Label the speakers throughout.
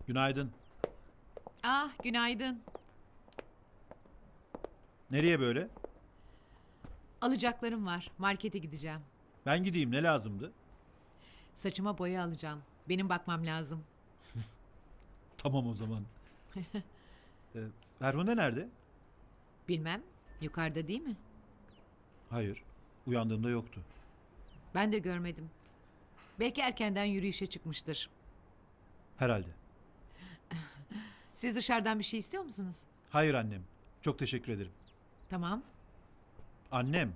Speaker 1: Günaydın.
Speaker 2: Ah, günaydın.
Speaker 1: Nereye böyle?
Speaker 2: Alacaklarım var. Markete gideceğim.
Speaker 1: Ben gideyim, ne lazımdı?
Speaker 2: Saçıma boya alacağım. Benim bakmam lazım.
Speaker 1: Tamam o zaman. Ferhunde nerede?
Speaker 2: Bilmem. Yukarıda değil mi?
Speaker 1: Hayır. Uyandığımda yoktu.
Speaker 2: Ben de görmedim. Belki erkenden yürüyüşe çıkmıştır.
Speaker 1: Herhalde.
Speaker 2: Siz dışarıdan bir şey istiyor musunuz?
Speaker 1: Hayır annem. Çok teşekkür ederim.
Speaker 2: Tamam.
Speaker 1: Annem.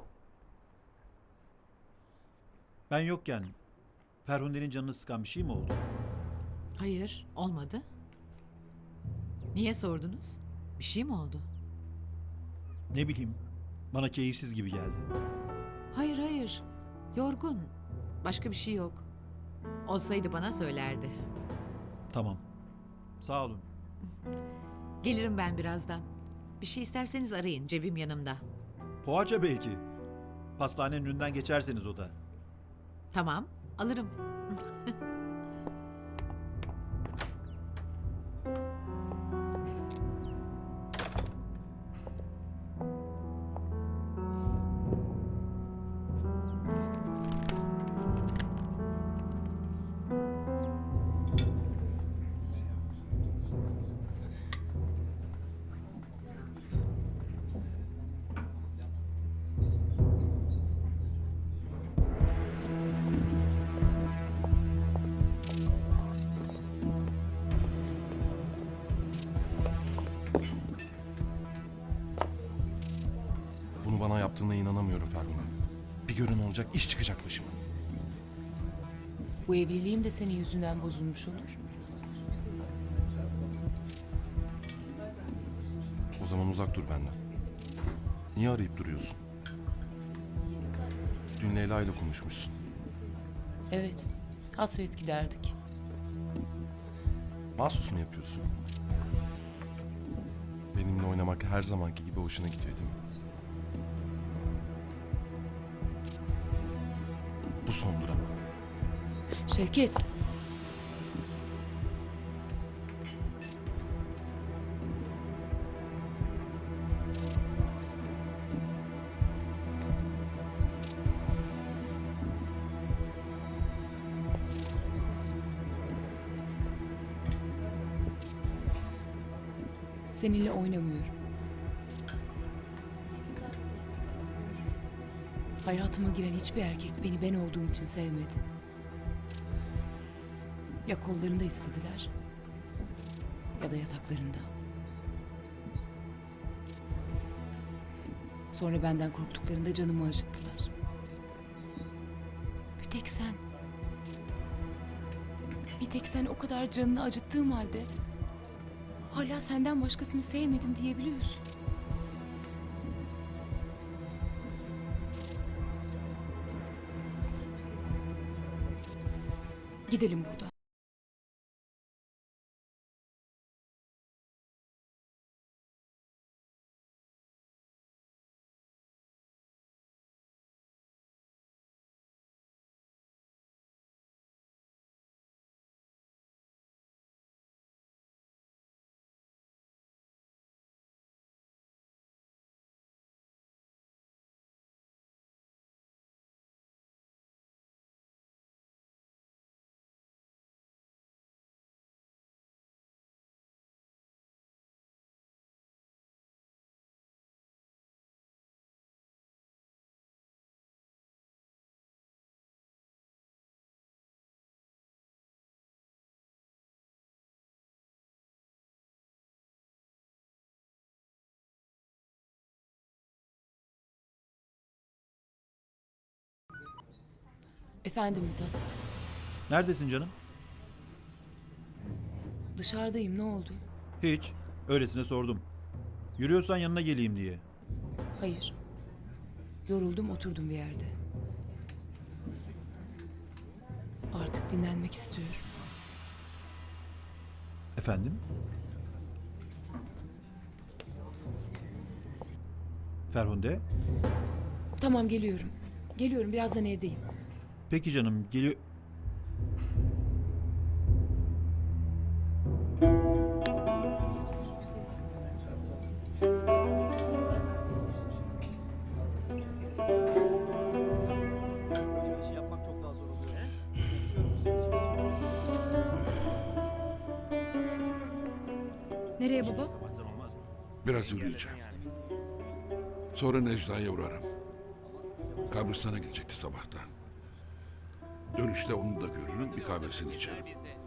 Speaker 1: Ben yokken Ferhunde'nin canını sıkan bir şey mi oldu?
Speaker 2: Hayır, olmadı. Niye sordunuz? Bir şey mi oldu?
Speaker 1: Ne bileyim. Bana keyifsiz gibi geldi.
Speaker 2: Hayır, hayır. Yorgun. Başka bir şey yok. Olsaydı bana söylerdi.
Speaker 1: Tamam. Sağ olun.
Speaker 2: Gelirim ben birazdan. Bir şey isterseniz arayın. Cebim yanımda.
Speaker 1: Poğaça belki. Pastanenin önünden geçerseniz o da.
Speaker 2: Tamam, alırım.
Speaker 3: Bunu bana yaptığına inanamıyorum Ferhunde. Bir görün olacak, iş çıkacak başıma.
Speaker 4: Bu evliliğim de senin yüzünden bozulmuş olur.
Speaker 3: O zaman uzak dur benden. Niye arayıp duruyorsun? Dün Leyla ile konuşmuşsun.
Speaker 4: Evet, hasret giderdik.
Speaker 3: Mahsus mu yapıyorsun? Benimle oynamak her zamanki gibi hoşuna gidiyor değil mi? Bu sondur ama.
Speaker 4: Şevket, seninle oynamıyorum. Hayatıma giren hiçbir erkek beni ben olduğum için sevmedi. Ya kollarında istediler ya da yataklarında. Sonra benden korktuklarında canımı acıttılar. Bir tek sen. Bir tek sen o kadar canını acıttığım halde hala senden başkasını sevmedim diyebiliyorsun. Gidelim buradan. Efendim Mithat.
Speaker 1: Neredesin canım?
Speaker 4: Dışarıdayım, ne oldu?
Speaker 1: Hiç. Öylesine sordum. Yürüyorsan yanına geleyim diye.
Speaker 4: Hayır. Yoruldum, oturdum bir yerde. Artık dinlenmek istiyorum.
Speaker 1: Efendim? Ferhunde?
Speaker 4: Tamam, geliyorum. Geliyorum, birazdan evdeyim.
Speaker 1: Peki canım, geliyor...
Speaker 5: İşi yapmak çok daha zor oluyor. Biliyorum bu senin için bir sürpriz.
Speaker 6: Nereye baba?
Speaker 7: Biraz yürüyeceğim. Sonra Necla'ya uğrarım. Kabristan'a gidecekti sabahtan. Dönüşte onu da görürüm, bir kahvesini içerim.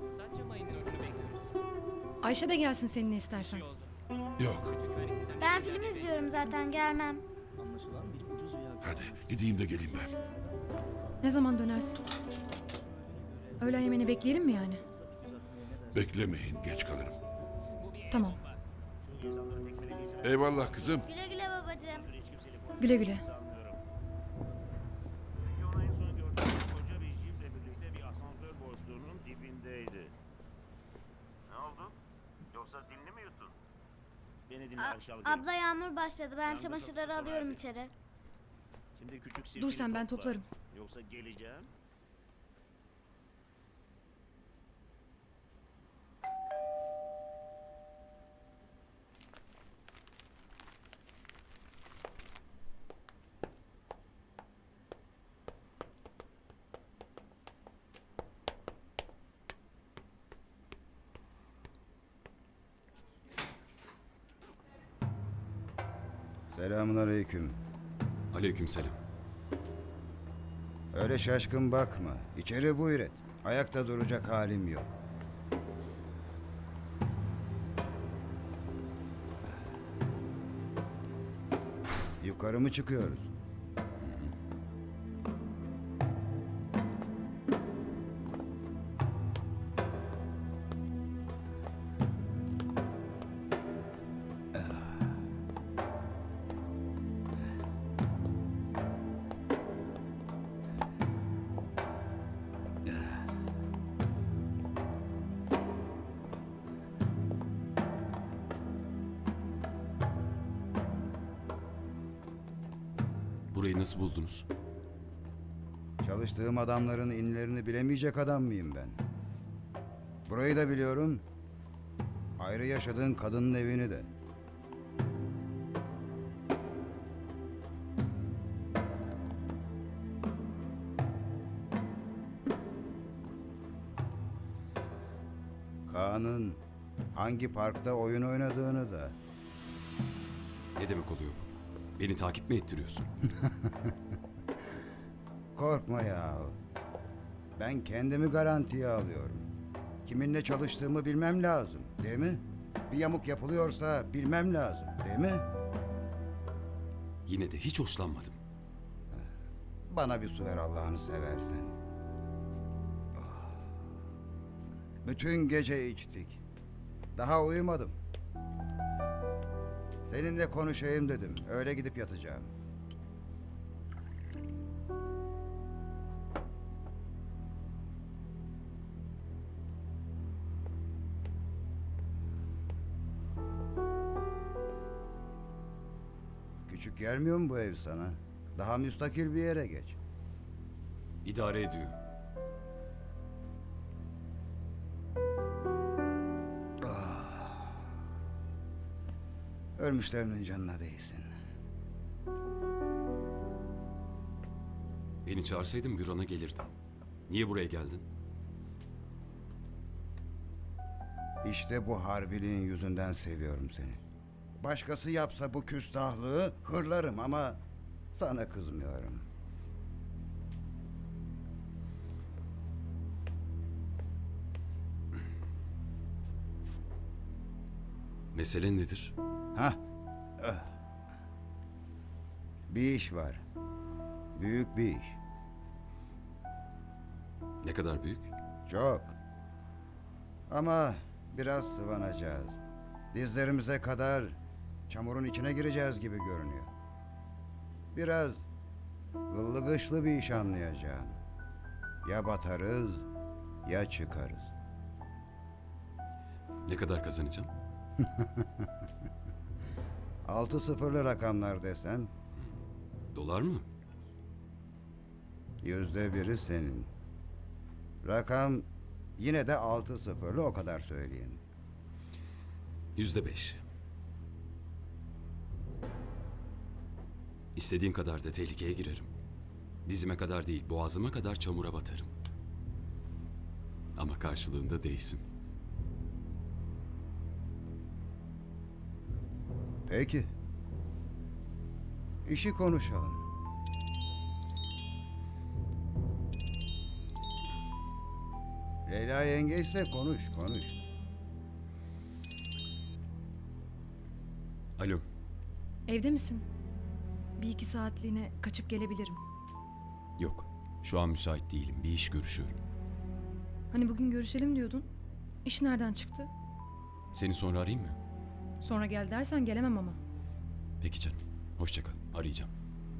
Speaker 6: Ayşe de gelsin seninle istersen.
Speaker 7: Yok,
Speaker 8: Ben film izliyorum zaten gelmem.
Speaker 5: Anlaşılan bir ucuz veya
Speaker 7: hadi gideyim de geleyim ben.
Speaker 6: Ne zaman dönersin? Öğlen yemeğini bekleyelim mi yani?
Speaker 7: Beklemeyin, geç kalırım.
Speaker 6: Tamam.
Speaker 7: Eyvallah kızım.
Speaker 8: Güle güle babacığım.
Speaker 6: Güle güle.
Speaker 9: Videonun en son gördüğüm koca bir jiple birlikte bir asansör boşluğunun dibindeydi. Ne oldu? Yoksa dilini mi yuttun? Beni dinle Ayşe Algın.
Speaker 8: Abla yağmur başladı. Ben
Speaker 9: Yağmur
Speaker 8: çamaşırları
Speaker 9: çok
Speaker 8: alıyorum
Speaker 9: verdi.
Speaker 8: içeri.
Speaker 9: Şimdi küçük
Speaker 6: Dur
Speaker 9: sirkini
Speaker 6: sen ben
Speaker 9: topla.
Speaker 6: toplarım.
Speaker 9: Yoksa geleceğim.
Speaker 10: Selamünaleyküm.
Speaker 3: Aleykümselam.
Speaker 10: Öyle şaşkın bakma. İçeri buyur et. Ayakta duracak halim yok. Yukarı mı çıkıyoruz?
Speaker 3: Burayı nasıl buldunuz?
Speaker 10: Çalıştığım adamların inlerini bilemeyecek adam mıyım ben? Burayı da biliyorum. Ayrı yaşadığın kadının evini de. Kaan'ın hangi parkta oyun oynadığını da.
Speaker 3: Ne demek oluyor bu? Beni takip mi ettiriyorsun?
Speaker 10: Korkma ya. Ben kendimi garantiye alıyorum. Kiminle çalıştığımı bilmem lazım, değil mi? Bir yamuk yapılıyorsa bilmem lazım, değil mi?
Speaker 3: Yine de hiç hoşlanmadım.
Speaker 10: Bana bir su ver Allah'ını seversen. Ah. Bütün gece içtik. Daha uyumadım. Seninle konuşayım dedim. Öyle gidip yatacağım. Küçük gelmiyor mu bu ev sana? Daha müstakil bir yere geç.
Speaker 3: İdare ediyor.
Speaker 10: Ölmüşlerinin canına değsin.
Speaker 3: Beni çağırsaydın bürona gelirdim. Niye buraya geldin?
Speaker 10: İşte bu harbiliğin yüzünden seviyorum seni. Başkası yapsa bu küstahlığı hırlarım ama sana kızmıyorum.
Speaker 3: Mesele nedir?
Speaker 10: Hah. Ah. Bir iş var. Büyük bir iş.
Speaker 3: Ne kadar büyük?
Speaker 10: Çok. Ama biraz sıvanacağız. Dizlerimize kadar çamurun içine gireceğiz gibi görünüyor. Biraz gıllı gışlı bir iş anlayacağım. Ya batarız ya çıkarız.
Speaker 3: Ne kadar kazanacağım?
Speaker 10: 6 sıfırlı rakamlar desem
Speaker 3: Dolar mı?
Speaker 10: %1'i senin. Rakam yine de 6 sıfırlı, o kadar söyleyeyim.
Speaker 11: %5. İstediğin kadar da tehlikeye girerim. Dizime kadar değil, boğazıma kadar çamura batarım. Ama karşılığında değsin.
Speaker 10: Peki. İşi konuşalım. Leyla yengeyse konuş.
Speaker 11: Alo,
Speaker 6: Evde misin? Bir iki saatliğine kaçıp gelebilirim.
Speaker 11: yok. Şu an müsait değilim. Bir iş görüşüyorum.
Speaker 6: Hani bugün görüşelim diyordun. İş nereden çıktı?
Speaker 11: Seni sonra arayayım mı?
Speaker 6: Sonra gel dersen gelemem ama.
Speaker 11: Peki canım. Hoşça kal. Arayacağım.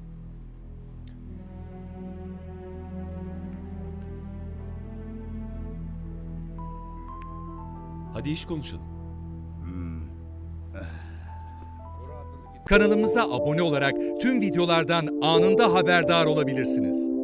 Speaker 11: Hadi iş konuşalım.
Speaker 12: Kanalımıza abone olarak tüm videolardan anında haberdar olabilirsiniz.